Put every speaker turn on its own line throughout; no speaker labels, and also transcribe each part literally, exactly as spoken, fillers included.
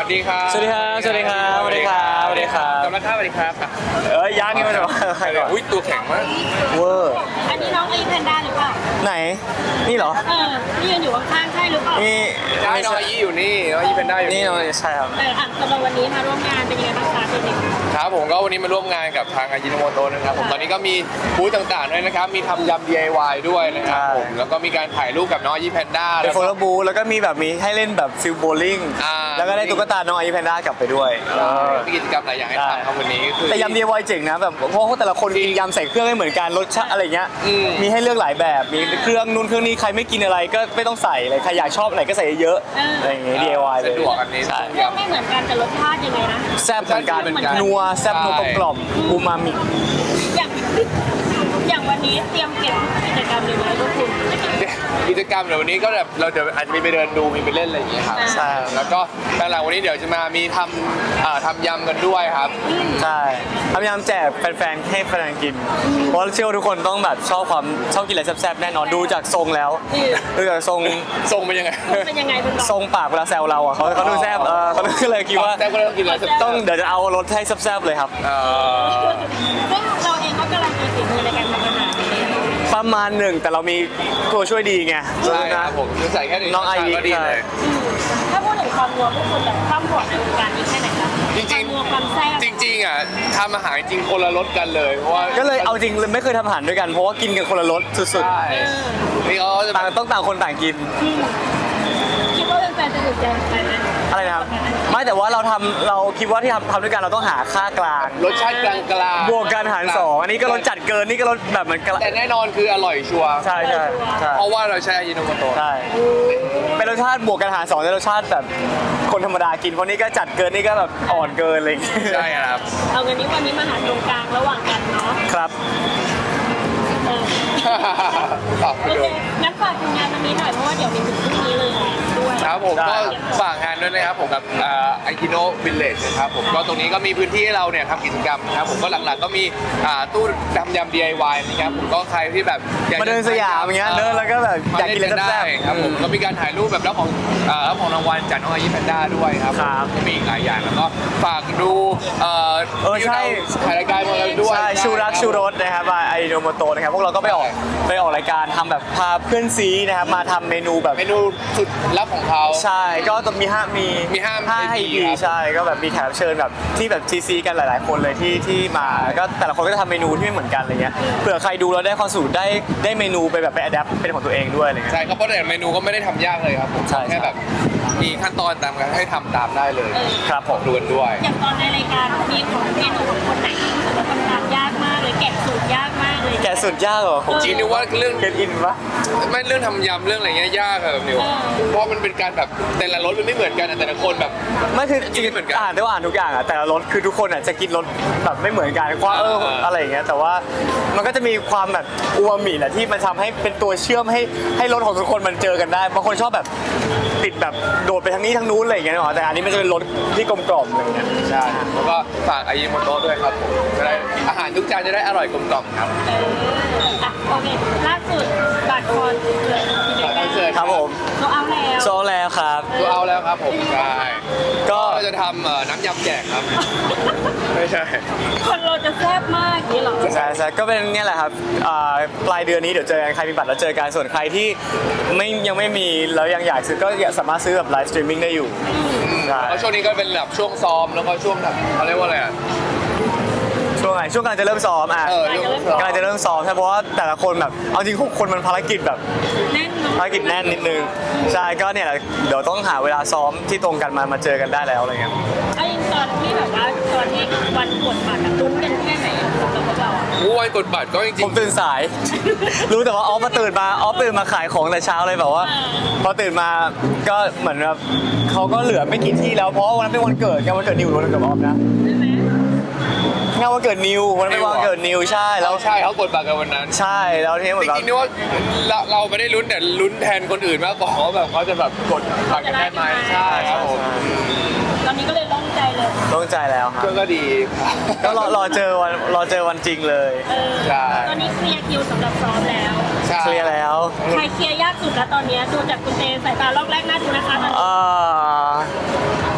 ดีครับ
สวัสดีครับสวัสดีครับสวัสดีครับสวัสดีครับ
กำลังข้าวสวัสดีครับ
เอ้ยยังนี่มาจากใครก่อน
อุ้ยตัวแข็งมาก
เวอร์
อันนี้น้องไอแพนด้าหรือเปล่า
ไหนนี่เหรอ
เออที่ยืนอยู่ข้างๆใช่หรือเปล่า
นี่
ใช่น้องอายี่อยู่นี่น้องอายี่เป็นได้อยู่
นี่น้องใช่ครับ
เอออ่ะสำหรับวันนี้มาร่วมงานเป็นยังไงบ้างคะเป็นยังไง
ครับผมก็วันนี้มาร่วมงานกับทางอายิโนโมโตะนะครับผมตอนนี้ก็มีบูธต่างๆด้วยนะครับมีทำยำ ดี ไอ วาย ด้วยนะครับผมแล้วก็มีการถ่ายรูปกับน้องอายี่แพนด้า
เป็นโฟล์บูแล้วก็มีแบบมีให้เล่นแบบฟิลโบลิ่ง
อ่า
แล้วก็ได้ตุ๊กตาน้องไอแพนด้ากลับไปด้วยเออ
มีกิจกรรมหลายอย่างให้ทำครับวันนี้คือ
แต่ยำ ดี ไอ วาย เจ๋งนะแบบเพราะว่าแต่ละคนกินยำใส่เครื่องไม่เหมือนกันรสชาติอะไรเงี้ย
อืม
มีให้เลือกหลายแบบมีเครื่องนู่นเครื่องนี้ใครไม่กินอะไรก็ไม่ต้องใส่เลยใครอยากชอบอะไรก็ใส่เยอะๆอะไรอย่างเงี้ย ดี ไอ วาย เลย
สะดวกอันนี้
ใช่
เรื่องไม่เหมือนกันแต่รสชาติยังไงนะ
แซ่บเหมือนกัน
เหมือนกัน
นัวแซ่บนัวกลมๆอูมามิ
อย่างอย่างวันนี้เตรียมเก็บกิจกรรมเลยไหมพวกคุณ
กิจกรรมเดี๋ยววันนี้ก็แบบเราเดี๋ยวอาจจะมีไปเดินดูมีไปเล่นอะไรอย่างเงี้ยครับ
ใช่
แล้วก็หลังๆวันนี้เดี๋ยวจะมามีทำอ่าทำยำกันด้วยครับ
ใช่พยายามแจกแฟนๆให้แฟนๆกิน เพราะเชื่อว่าทุกคนต้องแบบชอบความชอบกินอะไรแซ่บๆแน่นอนดูจากทรงแล้วดูจากทรง
ทรงเป็นยังไง
เป็นยังไงคุณบอก
ทรงปากเวลาแซวเราอ่ะเขาเขาดูแซ่บเออเขาก็เลยคิดว่า
แต่ก็เริ่มกินแล้ว
ต้องเดี๋ยวจะเอารสให้แซ่บๆเลยครับ
เอ่อ
ซึ่งเราเองก็กำลังมีฝีมือในการทำอาหารเลย
ประมาณหนึ่งแต่เรามีตัวช่วยดีไง
ใช่ค
นะ
รับผมใส่แค่นี้
น้องไอวิ
ก็ดีเลย
ถ้าพูดถึงความนัวพวกคุณแบบความโหดในวงการนี้แค่ไหนคะ
จริงๆ
ความนัวความแซ่บ
จริงๆอ่ะทำอาหารจริงคนละรสกันเลยเพราะว่า
ก็เลยเอาจริงเลยไม่เคยทำอาหารด้วยกันเพราะว่ากินกันคนละรสสุด
ใช่นี่เขาจะ
ๆต่างต้องต่างคนต่างกิน
คิดว่าแฟนๆจะถูกใจไหม
อะไรนะครับไม่แต่ว่าเราทำเราคิดว่าที่ทำทำด้วยกันเราต้องหาค่ากลาง
รสชาติกลางๆ
บวกกันหารสองอันนี้ก็รสจัดเกินนี่ก็รสแบบเหมือนกัน
แต่แน่นอนคืออร่อยชัวร์
ใช่ใช่ใช่
เพราะว่าเราใช้อายิโนโมโตะ
ใช่เป็นรสชาติบวกกันหารสองในรสชาติแบบคนธรรมดากินเพราะนี่ก็จัดเกินนี่ก็แบบอ่อนเกินอะไรอย่างเงี้ย
ใช่ครับ
เอางั้นนี้วันนี้มาหาตรงกลางระหว่างกันเนาะ
ครับ
เออ
ฝากไป
โอ
ดู
เคงั้นฝากทีมงานวันนี้หน่อยเพราะว่าเดี๋ยวมีถึงพรุ่งนี้เลยด้วย
ครับผม
ได้
ก็ฝากงานด้วยนะครับผมกับไอคิโนวิลเลจนะครับผมก็ตรงนี้ก็มีพื้นที่ให้เราเนี่ยทำกิจกรรมนะครับผมก็หลักๆก็มีอ่าตู้ทำยำ ดี ไอ วาย นะครับผมก็ใครที่แบบอยกจะ
มาเดินสยามอย่างเงี้ยเดินแล้วก็แบบอยากกินอะไร
มาเล่
แซ่
ได้
บๆ
ครับผมก็มีการถ่ายรูปแบบรับของอ่ารับของรางวัลจากน้องอายิแพนด้าด้วยครับ
ครับ
ก็มีอีกหลายอย่างแล้วก็ฝากดูเอ่อ
เออใช่
ที่เราถ่ายรายการมาแล้วด้วย
ใช่ชูรักชูรสนะครับไอโนโมโตนะครับพวกเราก็ไปออกไปออกรายการทำแบบพาเพื่อนซีนะครับมาทำเมนูแบบ
เมนูสุดลับของเขา
ใช่ก็จะมีห้ามี
มีห้า
ห้า
ให้
ให้
ดี
ดี
ครับ
ใช่ก็แบบมีแขกรับเชิญแบบที่แบบทีซีกันหลาย ๆ คนเลยที่ที่มาก็แต่ละคนก็จะทำเมนูที่ไม่เหมือนกันอะไรเงี้ยเผื่อใครดูแล้วได้ความสูตรได้ได้เมนูไปแบบไปอัดแอปเป็นของตัวเองด้วยอะไรเงี้ย
ใช่ครับเพราะแต่เมนูก็ไม่ได้ทำยากเลยครับผม
ใช่
แค่แบบมีขั้นตอนตามกันให้ทำตามได้เลย
เออ
ครับผม
ดูกันด้วย
อย่างตอนในรายการมีของเมนูของคนไหนที่รู้สึกว่าทำตามยากมากเลยแกะสูตรยากมากเลย
แกะสุดยากเหรอผม
จริงนึกว่าเรื่อง
เก็ตอินปะ
ไม่เรื่องทำยำเรื่องอะไรเงี้ยยากอะแบบนิวเพราะมันเป็นการแบบแต่ละรสมันไม่เหมือนกันอะแต่ละคนแบบ
ไม่คือจริง
ไม่เหมือนกัน
อ่านได้ว่าอ่านทุกอย่างอะแต่ละรสคือทุกคนอะจะกินรสแบบไม่เหมือนกันว่าเออ
อ่า
อะไรอย่างเงี้ยแต่ว่ามันก็จะมีความแบบอูมามิแหละที่มันทำให้เป็นตัวเชื่อมให้ให้รสของทุกคนมันเจอกันได้บางคนชอบแบบติดแบบโดดไปทางนี้ทางนู้นอะไรอย่างเงี้ยหรอแต่อันนี้มันจะเป็นรสที่กลมกล่อมอะไรอย่างเงี้ย
ใช่แล้วก็ฝากอายิโมโตะด้วยครับผมจะได้อาหารทุกจานจะได้อร่อยกลมกล่อมครับ
เอออ่ะโอเคล่าสุดบัตรคอนเสิร์ตที่เด็ก
คอนเสิร์ต
ครับผม
โซเอาแล้ว
โซแล้วครับ
ตัวเอาแล้วครับผมใช่
ก็
เราจะทำเอ่อน้ำยำแจกครับ ไม่ใช่
คนเราจะแซ่บมากอย่างนี้เหรอ
ใช่ใช่ก็เป็นเนี่ยแหละครับอ่าปลายเดือนนี้เดี๋ยวเจอกันใครมีบัตรแล้วเจอกันส่วนใครที่ไม่ยังไม่มีแล้วยังอยากซื้อก็สามารถซื้อแบบไลฟ์สตรีมมิ่งได้อยู่ใช่
แล้วช่วงนี้ก็เป็นแบบช่วงซ้อมแล้วก็ช่วงแบบเขาเรียกว่าอะไรอ่ะ
ช่วงไหนช่วงกำลังจะเริ่มซ้อมอ่ะ
เออช่วงซ้อม
กำลังจะเริ่มซ้อมใช่เพราะว่าแต่ละคนแบบเอาจริงหกคนมันภารกิจแบบ
แน่นเนาะ
ภารกิจแน่นนิดนึงใช่ก็เนี่ยแหละเดี๋ยวต้องหาเวลาซ้อมที่ตรงกันมามาเจอกันได้แล้วอะไรเงี้ย
ไอ้ตอนที่แบบว่าตอนที่วันกดบัตรอะลุ้นกันแค่ไหนอะสำหรับพวกเราอะ
โอ้ยกดบัตรก็จริ
ผ
ง
มตื่นสาย รู้แต่ว่าออฟมาตื่นมาออฟตื่นมาขายของแต่เช้าเลยแบบว่า พอตื่นมาก็เหมือนแบบเขาก็เหลือไม่กี่ที่แล้วเพราะว่าวันนั้นเป็นวันเกิดงานวันเกิดนิวล้วนกับออฟนะ
ใช่ไหม
งานวันเกิดนิววันนั้นเป็นวันเกิดนิวใช่
ๆ
แล้
เรา
ว
ใช่เขากดบัตรกันวันนั้น
ใช่แล้วทีนี้เหมื
จ
อนแบบ
ริงๆนึกว่าเราเราไม่ได้ลุ้นแต่ลุ้นแทนคนอื่นมากกว่าว่าแบบเขาจะแบบกดบัตรกันได้ไหมใช่ครับผม
ตอนนี้ก็เลยโล่งใจเลย
โล่งใจแล้วครับ
ก็ก็ดีครับ
ก็รอรอเจอวันรอเจอวันจริงเลย
เออ
ใช่
ตอนนี้เคลียร์คิวสำหรับซ้อมแล้ว
ใช่
เคลียร์แล้ว
ใครเคลียร์ยากสุดแล้วตอนเนี้ยดูจากคุณเตสายตาลอกแรกน่าดูนะคะตอนนี้
เอ่อ
เอ้ยเขา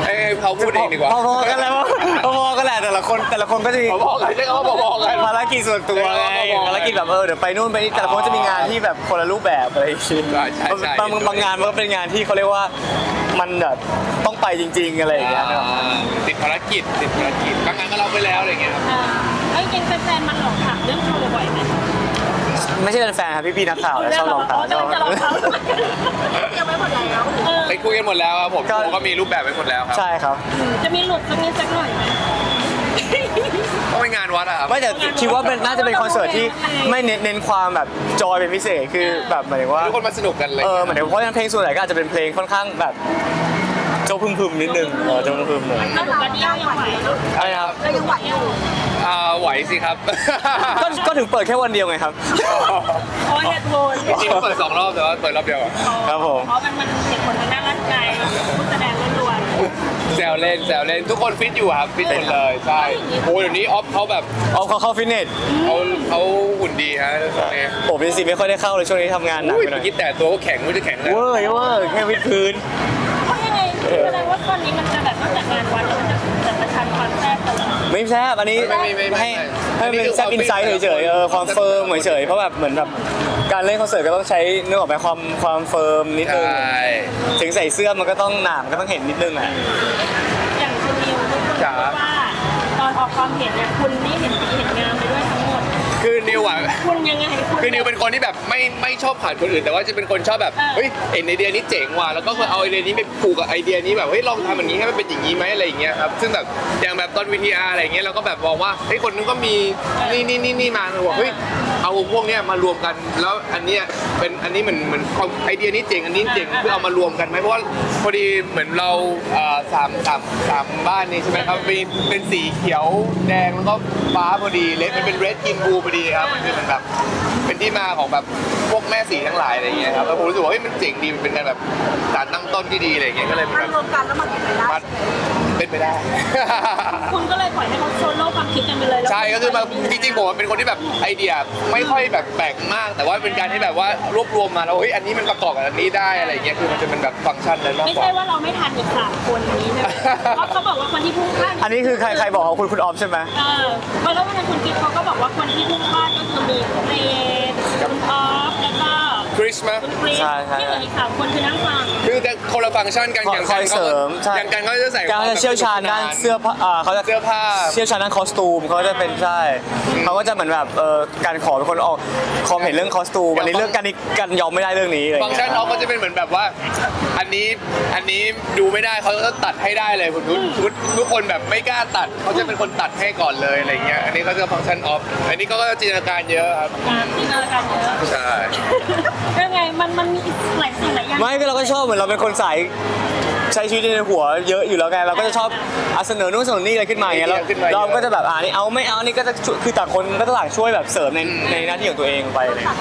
เขาพูดเองดีกว่า
พอๆกันแล้วพอๆกันแหละแต่ละคนแต่ละคนก็จะมี
พอๆกันใช่คำว่าพอๆกัน
ภารกิจส่วนตัวไง
ใช่ครับ
ภารกิจแบบเออเดี๋ยวไปนู่นไปนี่แต่ละคนจะมีงานที่แบบคนละรูปแบบอะไรอย่างเงี้ย
ใช่ใช่ใช่
บางบางงานมันก็เป็นงานที่เขาเรียกว่ามันแบบต้องไปจริง ๆอะไรอย่างเงี้ยนะครับ
อ่าติดภารกิจติดภารกิจบางงานก็เราไปแล้วอะไรเงี้ยครับ
อ่าไอ้จริงแฟนๆมันหลอกถามเรื่องโชว์บ่อยไหม
ไม่ใช่เป็นแฟนครับพี่ๆนักข่าวนะชอบลองถาม
จะลองเขายังไม่หมดแล้วเออ
ไปคุยกันหมดแล้วครับผม
ก็
ผมก็มีรูปแบบไปหมดแล้วครับ
ใช่ครับ
จะมีหลุดสักนิดสักหน่อยไหม
ก็ไปงานวัดอะครับ
ไม่แต่คิดว่าเป็นน่าจะเป็นคอนเสิร์ตที่ไม่เน้นเน้นความแบบจอยเป็นพิเศษคือแบบหมายถึงว่า
ทุกคนมาสนุกกันเลย
เออหมายถึงเพราะฉะนั้นเพลงส่วนใหญ่ก็อาจจะเป็นเพลงค่อนข้างแบบโจพึมๆนิดนึงเออโจพึมๆหน่อย
ถ้าหลุดกันเดียวยังไหวเนอะ
อะไรนะครับ
เรายังไหวอยู่
อ่าไหวสิครับ
ก็ก็ถึงเปิดแค่วันเดียวไงครับ
เพราะเหตุผล
จริงๆเปิดสองรอบแต่ว่าเปิดรอบเดียวอะ
ครับผม
เพราะมันมันเหตุผลทางด้านร่างกายผู้แสดงล้วน
แซวเล่นแซวเล่นทุกคนฟิตอยู่ครับฟิตหมดเลยใช่โอ้เดี๋ยวนี้ออฟเขาแบบ
เอาเขาเข้าฟิตเนส
เขาเขาหุ่นดีฮะตอนนี้
ผมเป็นสิไม่ค่อยได้เข้าเลยช่วงนี้ทำงานหนัก
อุ้ย
ไปหน่
เมื่
อ
อย กี้แต่ตัวก็แข็งไม่รู้จะแข็งเลย
เวอร์เวอร์แค่วิดพื้น
ๆเพราะยังไงแสดงว่าตอนนี้มันจะแบบนอกจากงานวัดแล้วมันจะจะประชันความแซ่บตลอด
ไม่แซ่บอันนี้
ไม่ไม่ไม่ไม่
ให้ให้มันเป็นแซ่บอินไซต์เฉยๆเออความเฟิร์มเฉยๆเพราะแบบเหมือนแบบการเล่นคอนเสิร์ตก็ต้องใช้เนื้อออกไปความความเฟิร์มนิด
ใช
นึง่ ถึงใส่เสื้อมันก็ต้องหนามก็ต้องเห็นนิดนึงอ่ะ
อย่างคุณนิวทุกคน
จ๋า
บอกว่าตอนออกความเห็นเนี่ยคุณนี่เห็นดีเห็นงามไปด้วยทั้งหมด
คือนิวอะ
คุณยังไงคุณ
คือนิวเป็นคนที่แบบไม่ไม่ชอบผ่านคนอื่น แต่ว่าจะเป็นคนชอบแบบ
เออ
เฮ้ยเห็นไอเดียนี้เจ๋งว่ะแล้วก็เอาไอเดียนี้ไปผูกกับไอเดียนี้แบบเฮ้ยลองทำอย่างนี้ให้มันเป็นอย่างนี้ไหมอะไรอย่างเงี้ยครับซึ่งแบบอย่างแบบตอนวีทีอาร์อะไรอย่างเงี้ยเราก็แบบมองว่าเฮ้ยคนนึงก็มีนี่นี่นี่นี่มาเราบอกเฮ้ยเอาพวกเนี้ยมารวมกันแล้วอันเนี้ยเป็นอันนี้เหมือนเหมือนไอเดียนี้เจ๋งอันนี้เจ๋งเพื่อเอามารวมกันไหมเพราะว่าพอดีเหมือนเราเอ่อสามสามสามบ้านนี่ใช่ไหมครับเป็นเป็นสีเขียวแดงแล้วก็ฟ้าพอดีเลดมันเป็นเรดกินบูพอดีครับมันคือมันแบบ เป็นที่มาของแบบพวกแม่สีทั้งหลายอะไรอย่างเงี้ยครับแล้วผมรู้สึกว่าเฮ้ยมันเจ๋งดีมันเป็นการแบบการตั้งต้นที่ดีอะไรอย่างเงี้ยก็เลยเป็น
มั
แบ
น
บ
รวมกันแล้วมันเป็นไปได้
มันเป็นไปได้
คุณก็เลยปล่อยให้เขาโซโล่ความคิดกันไปเลยแล้ว
ใช่ก็คือมาจริงๆผมเป็นคนที่แบบไอเดียไม่ค่อยแบบแปลกมาก แต่ว่าเป็นการที่แบบว่ารวบรวมมาแล้วเฮ้ยอันนี้มันประกอบกับอันนี้ได้อะไรอย่างเงี้ยคือมันจะเป็นแบบฟังก์ชันนั้นมาก
ไม่
กว่า
ใช่ว่าเราไม่ทันอีกสามคนนี้นะเพราะเขาบอกว่าคนที่พุ่งพลาด
อันนี้คือใครใครบอกของคุณคุณออฟใช่ไหม
เออเพราะแล้ววันนั้นคุณกิ๊ฟเขาก็บอกว่าคนที่พุ่งพลาดก็คือมีเรนคุณออฟแล้วก็
คริสมา
คุณคริสที่เหลืออีกสามคนคือนั่งฟัง
คือแต่คนละฟังก์ชันกันอย่าง
ค
กั
อน ย
เขา
เสริ
ก็
มใช่
อย่างกันเขาจะใส่
การจะเชี่ยวชาญด้านเสื้อผ้าอ่าเขาจะ
เสื้อผ้า
เชี่ยวชาญด้านคอสตูมเขาจะเป็นใช่เขาก็จะเหมือนแบบเออการขอเป็นคนออกความเห็นเรื่องคอสตูมอันนี้เรื่องการนี้การยอมไม่ได้เรื่องนี้อะไรอย่าง
ฟังก์
เงี้
ชัน
ย
เขาก็จะเป็นเหมือนแบบว่า อันนี้อันนี้ดูไม่ได้เขาก็ตัดให้ได้เลยคุณทุกทุกทุกคนแบบไม่กล้าตัดเขาจะเป็นคนตัดให้ก่อนเลยอะไรเงี้ยอันนี้เขาจะฟังก์ชันออฟอันนี้ก็จินตนาการเยอะครับ
การจินตนาการเยอะ
ใช่
ยังไงมันมันมีหลายสิ่งหลายอย่าง
ไม่ก็เราก็ชอบเหมือนเราเป็นคนสายใช้ชีวิตในหัวเยอะอยู่แล้วไงเราก็จะชอบอ่ะเสนอนู่นเสนอนี่อะไรขึ้นมาอย่างเงี้ยเราเราก็จะแบบอ่านี่เอาไม่เอานี่ก็จะช่วยคือต่างคนก็ต่างช่วยแบบเสริมในในหน้าที่ของตัวเองไปเลย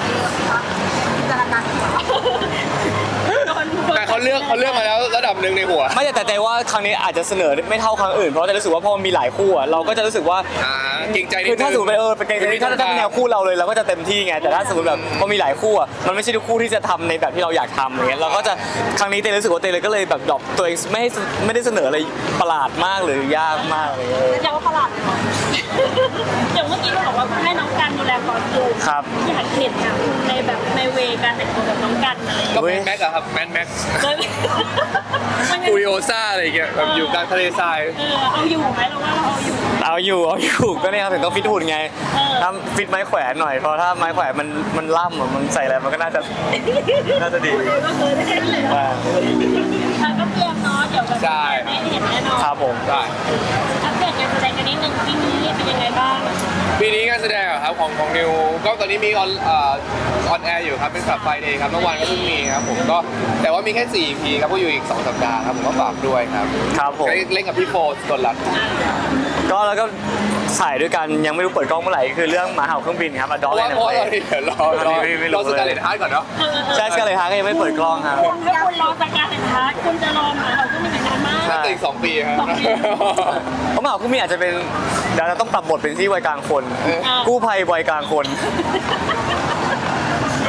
โดน
แต่เขาเลือกเขาเลือกมาแล้วระดับหนึ่งในหัว
ไม่แต่แต่แต่ว่าครั้งนี้อาจจะเสนอไม่เท่าครั้งอื่นเพราะแต่รู้สึกว่าพอมันมีหลายคู่อะเราก็จะรู้สึกว่า
อ่าเกรงใจนิด
คือ
นึง
ถ้าสมมติไปเออเป็นเกมนี้ถ้าถ้าเป็นแนวคู่เราเลยเราก็จะเต็มที่ไงแต่ถ้าสมมติแบบพอมีหลายคู่อะมันไม่ใช่ทุกคู่ที่จะทำในแบบที่เราอยากทำอย่างเงี้ยเราก็จะครั้งนี้เต้รู้สึกว่าเต้เลยก็เลยแบบดรอปตัวเองไม่ให้ไม่ได้เสนออะไรประหลาดมากหรือยากมากอะไรเลย
ยังว่าประหลาดเลยอย่างเมื่อกี้เราบอกว่าให้น้องกันดูแลคอสตูม
ครับ
อยากเห็นอะในแบบในเวการแต่งตัวแบบน้องกันอะไรอย่าง
ก็
เงี้ย
แมนแม็กอะครับแมนแม็ก
เลยมันยัง
ฟูริโอซ่าอะไรอย่างเงี้ยแบบอยู่กลางทะเลทราย
เออเอาอยู่ไหมเราว่าเราเอาอยู่
เอาอยู่เอาอยู่ก็เนี่ยครับถึงต้องฟิตหุ่นไง
เออ
ถ้าฟิตไม้แขวนหน่อยเพราะถ้าไม้แขวนมันมันล่ำอะมันใส่อะไรมันก็น่าจะน่าจะดี
ก็เคยได้เลย
อ่า
อ่ะก็เตรียมเนาะเดี๋ยวแบบได้เห็นแน่นอน
ครับผม
ได้
อัปเดตการแสดงกันนิดนึงปีนี้เป็นยังไงบ้าง
ปีนี้งานแสดงอะครับของของนิวก็ตอนนี้มีออนออนแอร์อยู่ครับเป็นขับไฟเดย์ครับเมื่อวานก็เพิ่งมีครับผมก็แต่ว่ามีแค่สี่ อี พีครับก็อยู่อีกสองสัปดาห์ครับผมก็ฝากด้วยครับ
ครับผม
เล่นกับพี่โฟสกลรัตน์
ก็แล้วก็ถ่ายด้วยกันยังไม่รู้เปิดกล้องเมื่อไหร่คือเรื่องหมาเห่าเครื่องบินครับอด
เพ
อ
ราะ
เล
ว่าน เพราะว่าเราเดี๋ยวรอรอ
ไม่ไม่รู้
รอสกาเลตฮาร์ดก่อนเนาะ
ใช่สกาเลยฮาร์ก็ยังไม่เปิดกล้องครับ
ถ้าคุณรอสการแต่งฮาร์ดคุณจะรอหมาเราก็ไม่นานมาก
ใช่
แต่อีกสองปีครับ
สองปี
เพราะหมาเห่าเครื่องบินอาจจะเป็นเดี๋ยวเราต้องปรับบทเป็นที่วัยกลางคน
เออ
กู้ภัยวัยกลางคน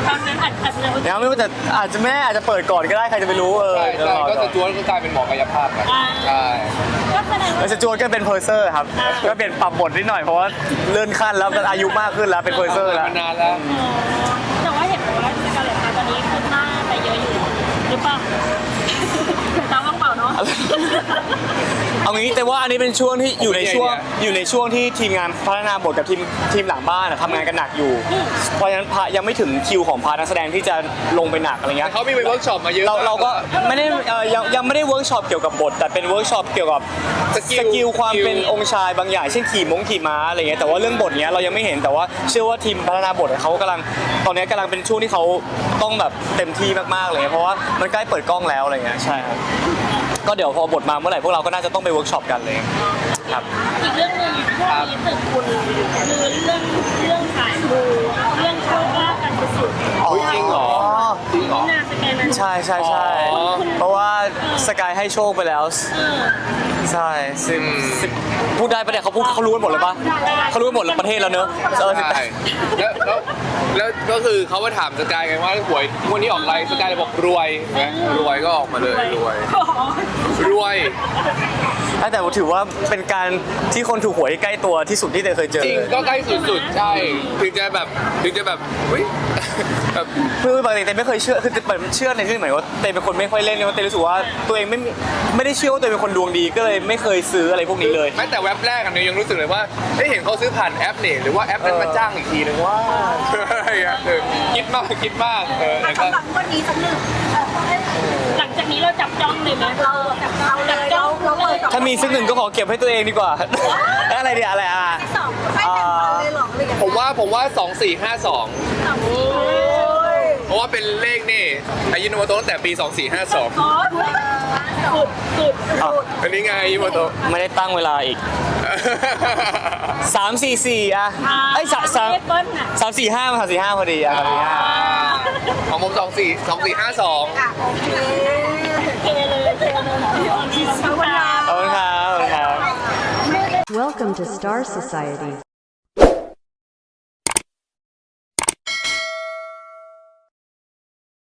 ตอนนั้นอาจอาจจะ
ยังไม่รู้แต่อาจจะแม่อาจจะเปิดก่อนก็ได้ใครจะไปรู้เออ
ใช่
เดี๋ยว
ใช่
รอ
ก็
ก่
ส
อน
จวตก็กลายเป็นหมอกายภาพไป
อ่า
ใช่
ก็แสดง
แล้
ว่าว
สจวตก็เป็นเพอร์เซอร์ครับก็เปลี่ยนปรับบทนิดหน่อยเพราะว่าเลื่อนขั้นแล้วอายุมากขึ้นแล้วเป็นเพอร์เซอร์แล้ว
มานานแล้ว
แต่ว่าเห็นบอกว่าสกาเลตตอนนี้ขึ้นหน้าไปเยอะอยู่หรือเปล่าตามว่างเปล่าเนาะ
เอางี้แต่ว่าอันนี้เป็นช่วงที่อยู่ในช่วงอยู่ในช่วงที่ทีมงานพัฒนาบทกับทีมทีมหลังบ้านอะทำงานกันหนักอยู่ เพราะฉะนั้นพายังไม่ถึงคิวของพาร์ทนักแสดงที่จะลงไปหนักอะไรเงี้ย
เขามีไปเวิร์กช็อปมาเยอะ
เราเราก็
ม
ไม่ได้เอ่อยังยังไม่ได้เวิร์กช็อปเกี่ยวกับบท แต่เป็นเวิร์กช็อปเกี่ยวกับ
ส
ส
กิล
กิลความเป็นองค์ชายบางอย่างเช่นขี่มงขี่ม้าอะไรเงี้ยแต่ว่าเรื่องบทเนี้ยเรายังไม่เห็นแต่ว่าเชื่อว่าทีมพัฒนาบทเขากำลังตอนนี้กำลังเป็นช่วงที่เขาต้องแบบเต็มที่มากๆเลยเพราะว่ามันใกล้เปิดกล้องแล้วอะไรเงี้ยใช่ครับก็เดี๋ยวพอบทมาเมื่อไหร่พวกเราก็น่าจะต้องไปเวิร์กช็อปกันเลยครับ
อีกเรื่องหนึ่งช่วงนี้ตึกคุณคือเรื่องเรื่องขายมูเรื่องโชคลาภกันสุดๆ
อุ๊ยจริงเหรอจริงเหรอ
น่าสแกนนั้น
ใช่ใช่ใช่
อ๋อ
เพราะว่าสกายให้โชคไปแล้ว
เออ
ใช่สิบสิบพูดได้ปะเนี่ยเขาพูดเขารู้กันหมดเลยปะเขารู้กันหมดเลยประเทศแล้วเนอะเออสิบ
ใช่แล้วแล้วแล้วก็คือเขามาถามสกายไงว่าหวยงวันนี้ออกอะไรสกายเลยบอกรวยนะรวยก็ออกมาเลยรวย รวย
แต่ถือว่าเป็นการที่คนถูกหวยใกล้ตัวที่สุดที่เตยเคยเจอ
จริงก็ใกล้สุดๆ ใช่ ถึงจะแบบถึงจะแบบอุ้ยแบบ
คือปกติเตยไม่เคยเชื่อคือเตยเชื่อในที่หมายว่าเตยเป็นคนไม่ค่อยเล่นเนี่ยเตยรู้สึกว่าตัวเองไม่ไม่ได้เชื่อว่าตัวเองเป็นคนดวงดีก็เลยไม่เคยซื้ออะไรพวกนี้เลย
แม้แต่เว็บแรกอันนี้ยังรู้สึกเลยว่าเอ้ยเห็นเขาซื้อผ่านแอปนี่หรือว่าแอปนั้นมาจ้างอีกทีนึงว่าอะไรอย่างเงี้ยเออคิดมากคิดมากเออแล้วก็
สำหรับวันนี้สักหนึ่งเออ
หลังจากนี้เราจับจ้องเลยไหม
เราจับเราเลยเราเราเปิดสอง
ถ้ามีสักหนึ่งก็ขอเก็บให้ตัวเองดีกว่า อะไรเดียอะไรอ่ะ
สองไม่แต่งเราเลยหรออะไรอย่าง
ผ
เงี้ย
มว่าผมว่าสองสี่ห้าสอง
โอ้ย
เพราะว่าเป็นเลขนี่อายุโนโมโตะตั้งแต่ปีสองสี่ห้าสอง
อ๋อสุดสุด
อ่ะ
อันนี้ไงอายุโนโมโตะ
ไม่ได้ตั้งเวลาอีกสามสี่สี่อ่ะไอ้ยสามสาม
เลขเบิ้ลน่ะ
สามสี่ห้ามาสามสี่ห้าพอดีอ่ะสามสี่ห้า
ของผมสองสี่สองสี่ห้าสอง
อ่ะโอเค
เคเลยเคเลย
ขอบคุณค่ะ
ขอบคุณครับขอบคุณครับ
Welcome to Star Society.